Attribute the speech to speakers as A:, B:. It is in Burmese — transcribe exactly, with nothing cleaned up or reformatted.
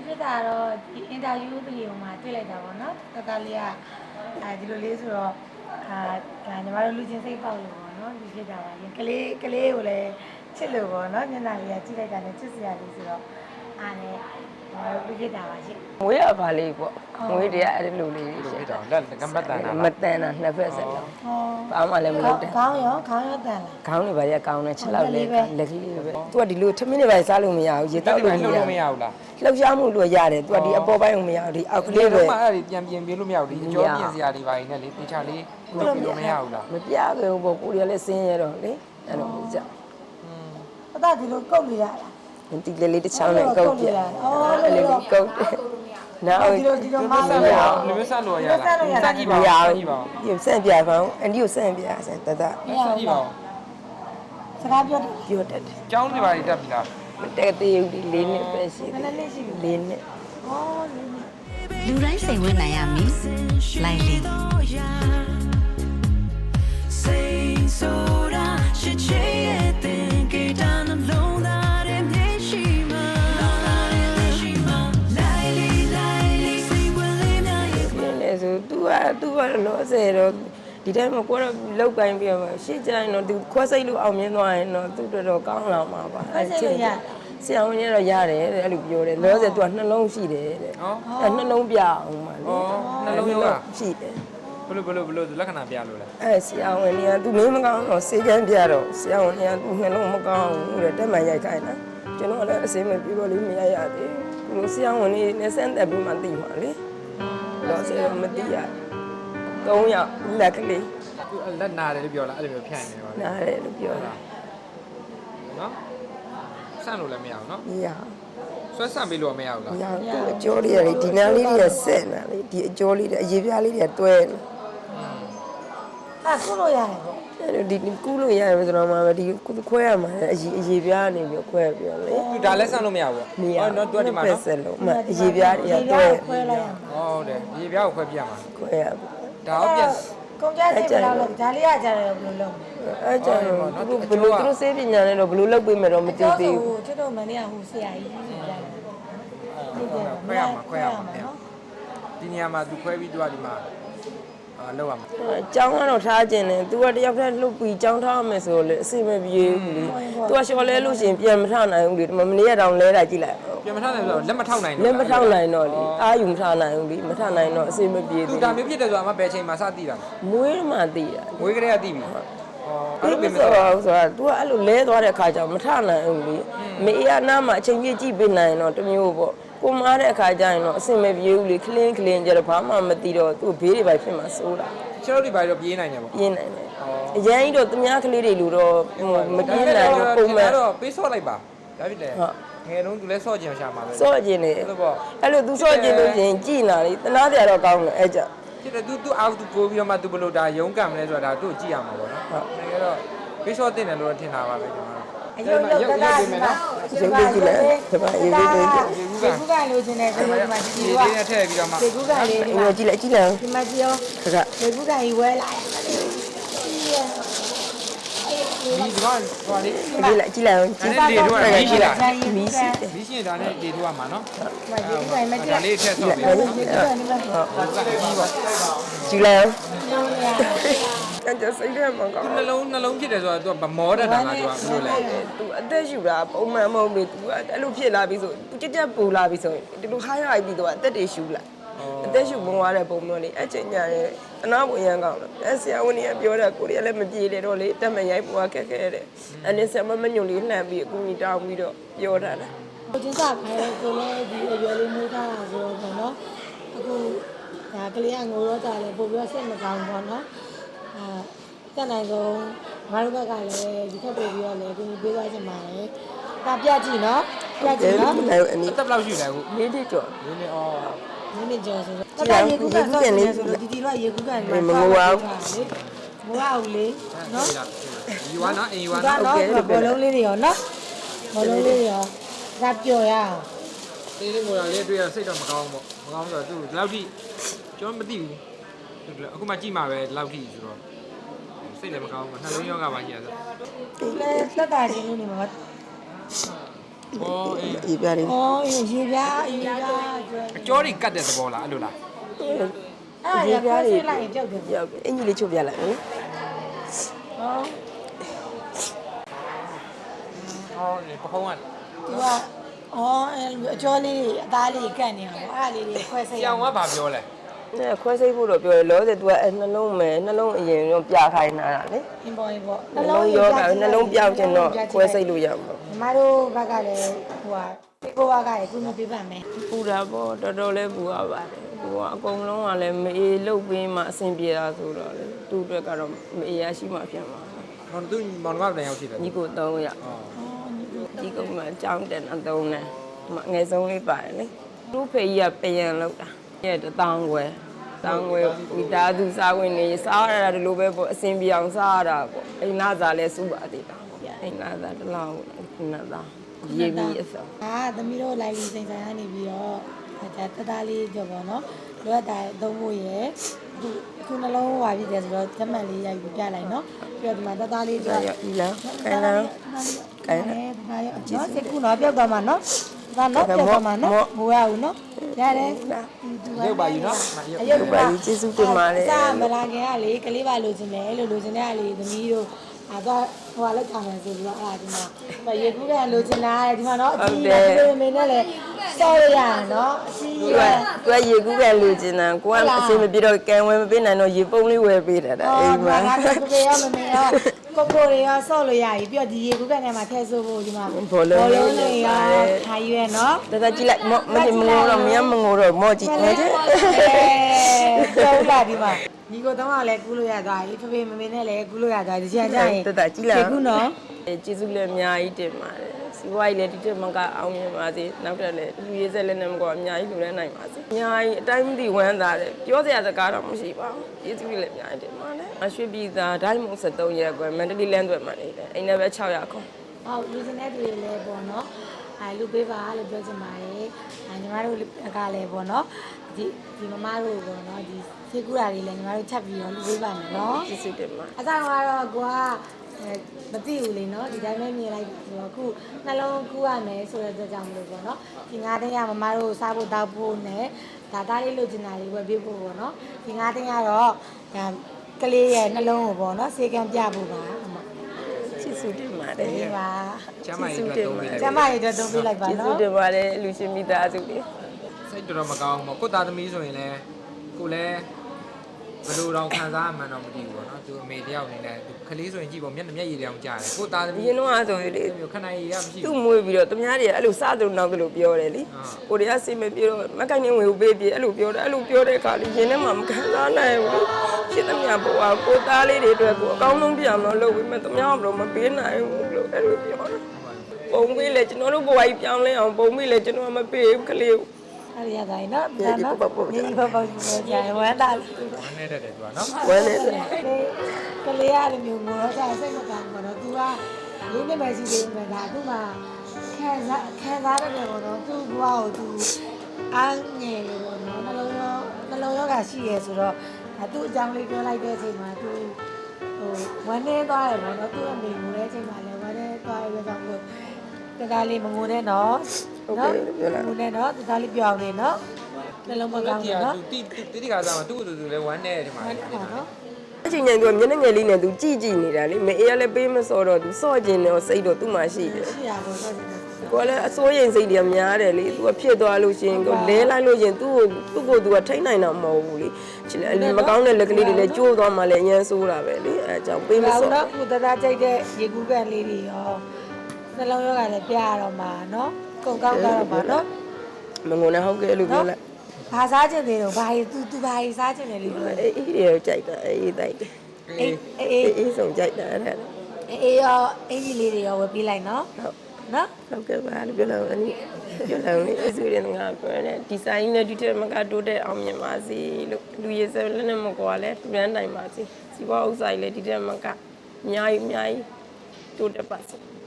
A: ဖြစ်တာတော့ဒီအင်တာဗျူးဗီဒီယိုမှာတွေ့လိုက်တာပေါ့နော်တတလေးကအဲဒီလိုလေးဆိုတော့အာဒါညီမတို့လူချင်းစိတ်ပေါက်လို့ပေါ့နော်ဒီဖြစ်တာပါရင်ကလေးကလေးကိုလည်းချစ်လို့ပေါ့နော်မျက်နှာလေးကကြည့်လိုက်တာနဲ့ချစ်စရာလေးဆိုတော့အားနဲ့ညီမတို့လူဖြစ်တာပါရှင်
B: မွေးရပါလေးပေါ့မွေးတရားအဲ့လိုလေး
C: ဖြစ်တော့လက်ကမတန်တာ
B: မတန်တာနှစ်ဖက်ဆက်လုံးဘာမှလည်းမလုပ်တဲ့
A: ခေါင်းရောခေါင်းရောတန်လား
B: ခေါင်းတွေပါရကောင်းတယ်ချက်လောက်လေးလက်ကလေးပဲသူကဒီလိုထမင်းတွေပါစားလို့မရဘူးရေတောက်လို့မရဘူး
C: လှုပ်လို့မရဘူးလား
B: လှုပ်ရှားမှုလို့ရတယ်သူကဒီအပေါ်ပိုင်းကိုမရဘူးဒီအောက်ကလေးပဲ
C: ဒီမှာအဲ့ဒီပြန်ပြင်ပြလို့မရဘူးဒီအကျော်ပြင်စရာတွေပါနေလေတေချာလေးလုပ်ပြလို့မရဘူးလား
B: မပြခဲ့ဘူးပေါ့ကိုရီးယားလည်းစင်းရတော့လေအဲ့လိုကြောက်
A: အသားဒီလိုကုတ်လို့ရလား
B: ဒီလေးလေးတစ်ချောင်းနဲ့ကုတ်ပြအော်လေးလေးကုတ်နောက်
A: ဒီလိုဒီလိုမဆ
C: လို့ရအောင်လူမျိုးဆက်လို့ရလားစကြည့်ပါဦးစကြည့်ပါဦး
B: ဒီစန့်ပြပါဦးအန်ဒီကိုစန့်ပြဆန်တတ
C: စကြည့်ပါဦး
A: စကားပြောတယ်
B: ပြောတတ်တယ်
C: ကျောင်းတွေပါတက်ပြီလား
B: မတက်သေးဘူးဒီလေးနှစ်ပဲရှိတယ်
A: နည်းနည်းလေးရှိပြီ
B: လေးနှစ်
A: အော်လေးနှစ်
D: လူတိုင်းစိတ်ဝင်နိုင်ရမည်လိုက်လင်းစိတ်ဆိုတာရှိချေရဲ့တင်ကြတာနှလုံးသားရဲ့မျက်ရှိမှာ
B: ဆို तू อ่ะ तू อ่ะလောဆယ်တော့ဒီတိုင်းမှာကိုတော့လောက်ကိုင်းပြီးတော့ရှေ့ကျရင်တော့ तू ခွဲစိတ်လို့အောင်မြင်သွားရင်တော့ तू တော်တော်ကောင်းလာမှာပါ
A: အဲ့ချိန်ရ
B: ဆရာဝန်ကြီးတော့ရတယ်တဲ့အဲ့လိုပြောတယ်လောဆယ် तू ကနှလုံးရှိတယ်တဲ့ဟောအဲ့နှလုံးပြအောင်ပါလေ
C: ဟောနှလုံးရော
B: ရှိတယ်
C: ဘလို့ဘလို့ဘလို့လက္ခဏာပြလို့လဲ
B: အဲ့ဆရာဝန်ကြီးက तू မင်းမကောင်းတော့စေကန်းပြတော့ဆရာဝန်ကြီးက तू နှလုံးမကောင်းဘူးတဲ့တက်မှန်ရိုက်ခိုင်းတာကျွန်တော်လည်းအစင်းမပြေတော့လေးမရရသေးဘူးဆရာဝန်ကြီးနဲ့ဆန်းသက်ပြီးမှသိမှာလေတော့ဆရာမသိရသုံးယောက်လက်ကလေး
C: လက်နာတယ်လို့ပြောလားအဲ့လိုမျိုးဖြန့်နေတယ်ပါ
B: နားတယ်လို့ပြောတာ
C: နော်ဆန့်လို့လည်းမရဘူးနော်
B: မရ
C: ဆွဲဆန့်ပေးလို့မရဘူးလား
B: မရဘူးအကျော်လေးတွေဒီနားလေးတွေဆက်နေလေဒီအကျော်လေးတွေအရေးပြားလေးတွေတွဲနေ
A: အဲ့ခုလို့ရတယ်ပေါ့
B: အဲ့ဒီကူးလို့ရတယ်ဆိုတော့မှဒီခွဲရမှာအရေးအရေးပြားနေပြီးခွဲပြီးလေ
C: ဒါလည်းဆန့်လို့မရဘူး
B: ပေါ့
C: နော်သူကဒီမှာနော်
B: ဆက်လို့မှအရေးပြားတွေတွဲ
A: ခွဲလိုက်ရမှာ
C: ဟုတ်တယ်အရေးပြားကိုခွဲပြရမှာ
B: ခွဲရ
C: ဒါတော့ပြန်
A: ကုန်ကြစိတ်ဘယ်လောက်လဲဒါလေးရကြတယ်ဘယ်လိုလုပ်
B: အဲ့ကျတော့ဘယ်လိုသူတို့စေးပညာနဲ့တော့ဘယ်လိုလုပ်ပေးမယ်တော့မသိသေးဘူး
A: ကျွတ်တို့မနေ့ကဟိုဆရာကြီးကြီးဆိုလိုက်
C: ခွဲရမှာခွဲရမှာနော်ဒီနေရာမှာသူခွဲပြီးသူကဒီမှာအာလောက်ရမှာ
B: အကြောင်းကတော့ထားခြင်းတယ် तू ကတယောက်တည်းလှုပ်ပြီးကြောင်းထားမယ်ဆိုလေအစိမပြေဘူးလေ तू ကလျှော်လဲလို့ရှိရင်ပြန်မထနိုင်ဘူးလေဒီမနေ့ကတောင်လဲတာကြည့်လိုက်
C: ပြန်မထနိုင်ဘူးလက်မထောက်နိုင်
B: လက်မထောက်နိုင်တော့လေအာယူမထနိုင်ဘူးလေမထနိုင်တော့အစိမပြေ
C: ဘူး तू ဒါမျိုးဖြစ်တယ်ဆိုတာမှဘယ်ချိန်မှာစသိတာ
B: မွေးမှသိတာ
C: မွေးကလေးကသိပြီဟော
B: အဲ့လိုပဲဆိုတော့ဆိုတာ तू ကအဲ့လိုလဲသွားတဲ့အခါကျတော့မထနိုင်ဘူးလေမေအေးအနားမှာအချိန်ကြီးကြည့်ပေးနိုင်တော့တမျိုးပေါ့ကိုမားတဲ့အခါကျရင်တော့အစင်မပြေဘူးလေခလင်းခလင်းကြတော့ဘာမှမသိတော့သူ့ဘေးတွေပဲဖြစ်မှာစိုးတာ
C: ကျတော့ဒီဘာတော့ပြေးနိုင်တယ်ပေါ့
B: ပြေးနိုင်တယ်အရင်ကြီးတော့သူများကလေးတွေလူတော့မပြေးနိုင်ဘူးပုံမှန်
C: တော့ပေးဆော့လိုက်ပါဒါဖြစ်တယ်ဟုတ်ငယ်တုန်းသူလဲဆော့ကျင်ရှာမှာပဲ
B: ဆော့ကျင်နေအဲ့လိုပေါ့အဲ့လို तू ဆော့ကျင်လို့ရှင်ကြည်နာလေတနာတရားတော့ကောင်းတယ်အဲ့ကြ
C: ဖြစ်တယ် तू तू အောက် तू ပိုးပြီးတော့မှ तू ဘလို့ဒါရုံးကံမလဲဆိုတာဒါသူ့ကြည့်ရမှာပေါ့နော်ဟုတ်ငယ်တော့ပေးဆော့တင်တယ်လို့ထင်တာပါပဲကျွန်တော်
A: အယုံရုပ်ကလာဒီမှာ
B: ရုပ်ကြည့်လိုက်ဒီမှာရေကူး
A: ကန်ရေကူးကန်လို့ခြင်းနဲ့ဒီမှာဒီက
C: ရေနဲ့ထည့်ပြီးတော့မှ
A: ရေကူးကန်လေးဒီမှာ
B: ကြည့်လိုက်ကြည့်လိုက်
A: ဒီမှာကြည့်ရော
B: ခက
A: ရေကူးကန်ကြီးဝဲလာ
C: ဒီဒီကောင်ဟိုလေး
B: ကြည့်လိုက်ကြည့်လိုက်
C: ကြည့်လိုက်ဒီတို့ကမီးရှိလား
B: မီးရှိ
C: မီးရှိရင်ဒါနဲ့ဒီတို့ကမှာနော်
A: ရေကူးကန်မကြည့်
C: ဒါလေးထည့်ဆော့ပြီးဟုတ်ဟုတ်
B: ကြည့်လိုက်အဲ့ဒါစိတ်ထဲမှာကောင်း
C: နှလုံးနှလုံးဖြစ်တယ်ဆိုတော့ तू ဗမောတတ်တာလား तू ကဘယ်လိုလဲ
B: तू အသက်ရှူတာပုံမှန်မဟုတ်ဘူး तू အဲ့လိုဖြစ်လာပြီဆို तू ကြက်ကြက်ပူလာပြီဆိုရင်ဒီလိုခါရလိုက်ပြီး तू အသက်တွေရှူလာအသက်ရှူပုံသွားတဲ့ပုံမျိုးလေးအချိန်ညာရဲ့အနာပုံရန်ကောင်းတယ်အဲ့ဆရာဝန်ကြီးကပြောတာကိုရီးယားလည်းမပြေတယ်တော့လေတက်မရိုက်ပွားခက်ခဲတဲ့အဲ့ဒီဆရာမမညွန်လေးလှမ်းပြီးအကူကြီးတောင်းပြီးတော့ပြောတာလား
A: ကိုချင်းစားခဲကိုလည်းဒီအရွယ်လေးမွေးထားတာဆိုတော့ပေါ့နော်အခုဒါကလေးကငိုတော့တာလေပို့ပြီးစိတ်မကောင်းပေါ့နော်အာတက်နိုင်ဆုံးငါတို့ဘက်ကလည်းဒီထက်ပိုပြီးတော့လည်းကိုကြီးပေးသွားချင်ပါတယ်ဒါပြကြည့်နော်ပြကြည့်နော်
C: အသက်ဘယ်လောက်ရှိလဲအခု
B: လေးတိကျော်
C: လေးနေအော်
A: လေးနေကျော်ဆိုတော့တာရေကူးကန်ဆိုရင်ဆိုတော့ဒီဒီတော့ရေကူးကန်မှာ
B: မငိုအောင်
A: မဝအောင်လေနော်
C: ယူဝါနော်အင်ယူဝါ
A: နော်โอเคဘောလုံးလေးတွေရောနော်ဘောလုံးလေးတွေရောဒါပျော်ရအောင်
C: တေးလေးငိုတာလေးတွေ့ရစိတ်တော့မကောင်းဘူးပေါ့မကောင်းဆိုတော့သူဒီလောက်ထိကျွန်တော်မသိဘူးအခုမှကြည့်မှာပဲဒီလောက်ထိဆိုတော့စိတ်လည်းမကောင်းဘူးနှလုံးရောဂါပါကြီးရဆို
A: ဒီလေသက်တာချင်းနေမှာ
C: အော်အေး
B: ရေပြားလေး
A: အော်ရေပြားရေပြား
C: ကြောတွေကတ်တဲ့သဘောလားအဲ့လိုလား
A: အဲ့ဒါရခွဲဆွေးလိုက်ရင်ပြုတ်တယ်
B: ပြောက်အင်ကြီးလေးချုပ်ပြလိုက်နော်
A: ဟော
C: ဟောဒီပခုံးက
A: သူကအော်အဲ့လိုအကျော်လေးတွေအသားလေးကတ်နေအောင်အဲ့ဒါလေးတွေခွဲစိတ်
C: ကြောင်ကဘာပြောလဲ
B: အဲခွဲစိတ်ဖို့တော့ပြောရလောဆယ် तू ကအဲနှလုံးမယ်နှလုံးအရင်ရောပြခိုင်းတာလေ
A: အင်းပေါ်ရင်ပေါ့
B: နှလုံးရောကနှလုံးပြောက်ခြင်းတော့ခွဲစိတ်လို့ရမှာ
A: ညီမတို့ဘက်ကလည်းဟိုဟာဒီကိုကကလည်းကုမပေးပါမယ်
B: ပူတာပေါ့တော်တော်လေးပူရပါတယ်ပူကအကုန်လုံးကလည်းမအေးလုတ်ပြီးမှအဆင်ပြေတာဆိုတော့လေသူ့အတွက်ကတော့မအေးရရှိမှပြန်ပါ
C: ဟောသူမောင်နှမပြန်ရောက်ရှိတယ်
B: ညီကိုသုံးရ
C: ဟော
B: ဒီကုန်းမှာအကြောင်းတက်အသုံးနဲ့ငယ်ဆုံးလေးပါတယ်လေသူ့ဖေကြီးကပြန်လောက်တာရဲ့တထောင်ွယ်တောင်းဝဲမိသားစုစားဝင်နေစားရတာဒီလိုပဲပေါ့အစင်ပြောင်စားရတာပေါ့အိမ်လာစားလဲစုပါသေးတာပေါ့အိမ်လာစားတစ်လောက်ခုနသားရေးပြီးအစော
A: အာသမီးတို့လိုက်ပြီးစိန်ဆိုင်ကနေပြီးတော့ဒါတသားလေးကြော်ပေါ့နော်လိုအပ်တာသုံးဖို့ရယ်အခုအခုနှလုံးဝါပြီးတယ်ဆိုတော့ဓမ္မတ်လေးရိုက်ပြီးပြလိုက်နော်ပြီးတော့ဒီမှာတသားလေးကြော်
B: ရပြီလားခိုင်းလား
A: ကိုင်းတယ်ဒါရနော်စိတ်ကူတော့ပြောက်သွားမှာနော်ဒါနော်ပြောက်သွားမှာနော်မဝရဘူးနော်ရတယ်
C: ရုပ်ပါယူနော်
A: အယုတ်
B: ပါကြီးကျေးဇူးတင်ပါတယ်
A: စားမလာခင်ကလေကလေးပါလိုချင်တယ်လို့လိုချင်တဲ့ကလေသမီးတို့အဲ့တော့ဟိုကလည်းခံမယ်ဆိုပြီးတော့အဲ့ဒါဒီမှာရေကူးကလိုချင်တာတဲ့ဒီမှာနော်အကြီးကြီးမင်းနဲ့လည်းစောရရနော်အကြီး
B: သူ
A: ကြီး
B: ကသူကရေကူးကလူကျင်တာကိုကအစင်မပြေတော့ကံဝဲမပေးနိုင်တော့ရေပုံးလေးဝယ်ပေးတာအိမ်မှာ
A: ငါတို့ပြေရောမမေရောကိုကိုတွေရောဆော့လို့ရပြီပြီးတော့ဒီရေကူးကနဲ့မှာထည့်ဆိုဖို့ဒီမှာလေးရောထားရွယ်နော်
B: တတကြည့်လိုက်မမမငိုတော့မရမငိုတော့မော့ကြည့်နေတယ်
A: ကျောင်းလာဒီမှာညီကိုတော့ကလည်းကူးလို့ရသွားပြီဖေဖေမမေနဲ့လည်းကူးလို့ရသွားဒီချာကြရင်
B: တတကြည့်လိုက်
A: ကူးနော်
B: ကျေးဇူးလည်းအများကြီးတင်ပါတယ်စီဝိုင်းလည်းဒီတက်မကအောင်မြင်ပါစေနောက်တက်လည်းလူရေးဆက်လည်းနဲ့မကောအများကြီးလူလည်းနိုင်ပါစေအများကြီးအတိုင်းမသိဝမ်းသာတယ်ပြောစရာစကားတော့မရှိပါဘူးကျေးဇူးလည်းအများကြီးတင်ပါတယ်အရွှေပြည်သာဒိုင်းမုံဆက်သုံးရက်ကွယ်မန္တလေးလမ်းသွဲမှာနေတယ်အိမ်လည်းပဲ၆ရာခွန်
A: ဟုတ်လူစင်တဲ့တွေလည်းပေါ့နော်အဲလူပေးပါလို့ပြောချင်ပါတယ်အဲညီမတို့ကလည်းပေါ့နော်ဒီဒီမမတို့ပေါ့နော်ဒီစေကူတာတွေလည်းညီမတို့ချက်ပြီးတော့လူပေးပါမယ်နော်
B: ကျေးဇူးတင်ပါ
A: အဆောင်ကတော့ကိုကမသိဘူးလေနော်ဒီတိုင်းပဲမြင်လိုက်ဆိုတော့အခုနှလုံးကူးရမယ်ဆိုတဲ့အတွက်ကြောင့်မလို့ပေါ့နော်ဒီငါးတင်းရမမတို့စားဖို့တောက်ဖို့နဲ့ဒါသားလေးလိုချင်တာလေးဝယ်ပေးဖို့ပေါ့နော်ဒီငါးတင်းကတော့ဒါကလေးရဲ့နှလုံးကိုပေါ့နော်စေကံပြဖို့ပါအမ
B: ကျေးဇူးတင်ပါတယ်
A: ဒီပါ
C: ကျမ်းမာရေးအတွက်သုံးပေးလိုက်
A: ကျမရဲ့အတွက်သုံးပေးလိုက်ပါ
B: ကျေးဇူး
A: နော်
B: တင်ပါတယ်လူရှင်မိသားစုတွေ
C: စိတ်တော်တော်မကောင်းဘူးကိုသားသမီးဆိုရင်လည်းကိုလည်းဘယ်လိုတော့ခံစားမှန်းတော့မသိဘူးပေါ့နော်သူအမေတယောက်အနေနဲ့သူခလေးဆိုရင်ကြည့်ပေါ့မျက်နှာမျက်ရည်တောင်ကြားတယ်ကိုသားသမီး
B: ရင်တော့ဆိုရင်လေ
C: ခဏရည်ရမရှိ
B: သူ့
C: ဘူး
B: မွေးပြီးတော့သူများတွေကအဲ့လိုစားတယ်နောက်တယ်လို့ပြောတယ်လေကိုတွေကစိတ်မပြေတော့မကိုင်းနေဝင်ပေးပြေအဲ့လိုပြောတယ်အဲ့လိုပြောတဲ့အခါလေးရင်ထဲမှာမခံစားနိုင်ဘူးဖြစ်သမျှဘဝကိုသားလေးတွေအတွက်ကိုအကောင်းဆုံးပြအောင်လို့လုပ်ပြီးမှသူများကတော့မပေးနိုင်ဘူးလို့အဲ့လိုပြောတယ်ပုံပေးလေကျွန်တော်တို့ဘဝကြီးပြောင်းလဲအောင်ပုံပေးလေကျွန်တော်မပေးဘူးကလေးကို
A: အဲ့ဒီရတိုင်းနော်ဒါနော်ဒီဘပေါ့ကြီးပေါ်ကြဝမ်းသာ
C: ဝမ်းနေတတ်တယ်သူကနော်
B: ဝမ်းနေတယ်
A: ကလေးရတယ်မျိုးကိုတော့စိတ်မကောင်းဘူးတော့ तू ကလေးနေမရှိသေးဘူးဒါသူကခံစားခံစားရတယ်ပေါ့နော်သူ့ဘဝကို तू အားငယ်လို့ပေါ့နော်နှလုံးရောနှလုံးရောဂါရှိရဲဆိုတော့ဒါသူ့အကြောင်းလေးပြောလိုက်တဲ့အချိန်မှာ तू ဟိုဝမ်းနေသွားတယ်ပေါ့နော်သူ့အမေငိုတဲ့အချိန်မှာလည်းဝမ်းနေသွားရတဲ့ကြောင့်လို့တကားလေးမငိုနဲ့နော်နော်ငိုနဲ့နော်တကားလေးပြောင်းနေနော်နှလုံးမကောင်းဘူးနော်
C: သူတိတိတိကစားမှာသူ့သူသူလည်းဝမ်းနေတယ်ဒီမှာ
A: ဟုတ်ပါနော်
B: အချိန်ချင်းသူကမျက်နှာငယ်လေးနဲ့သူကြည့်ကြည့်နေတာလေမအေးရလည်းပေးမစောတော့သူစော့ကျင်တယ်စိတ်တော့သူ့မှာရှိတယ်
A: ရှိရပါတော့
B: ကိုလည်းအစိုးရိမ်စိတ်တွေများတယ်လေသူကဖြစ်သွားလို့ရှိရင်ကိုလဲလိုက်လို့ရှိရင်သူ့ကိုသူ့ကိုသူကထိတ်နိုင်တာမဟုတ်ဘူးလေချစ်လေမကောင်းတဲ့လက်ကလေးတွေလည်းကျိုးသွားမှလည်းအရန်ဆိုးတာပဲလေအဲအကြောင်းပေးမစော
A: နော်ကုသသားကြိုက်တဲ့ရေကူးကန်လေးတွေရောနှလုံးရောဂါလည်းပြရတော့မှာနော်ကုန်ကောက်တော့မှာနော်
B: မငုံနဲ့ဟုတ်ကဲ့လို့ပြောလိုက်
A: ဘာစားချင်သေးတော့ဘာကြီး तू तू ဘာကြီးစားချင်တယ်လို့ပြော
B: အေးအေးတွေကြိုက်တာအေးတိုက်တယ်
A: အေးအေး
B: အေးဆုံးကြိုက်တာအဲ့ဒါ
A: အေးရောအင်ကြီးလေးတွေရောဝယ်ပေးလိုက်နော်
B: ဟုတ်
A: နော်
B: ဟုတ်ကဲ့ပါလို့ပြောလိုက်အနီးပြောလိုက်လေအစူရင်ငါပြောတယ်ဒီဇိုင်းနဲ့ဒီတက်မကတိုးတဲ့အောင်မြင်ပါစေလို့လူရည်စလည်းနဲ့မကွာလဲတူရန်နိုင်ပါစေစီပွားဥစ္စာကြီးလည်းဒီတက်မကအများကြီးအများကြီးတိုးတက်ပါစေ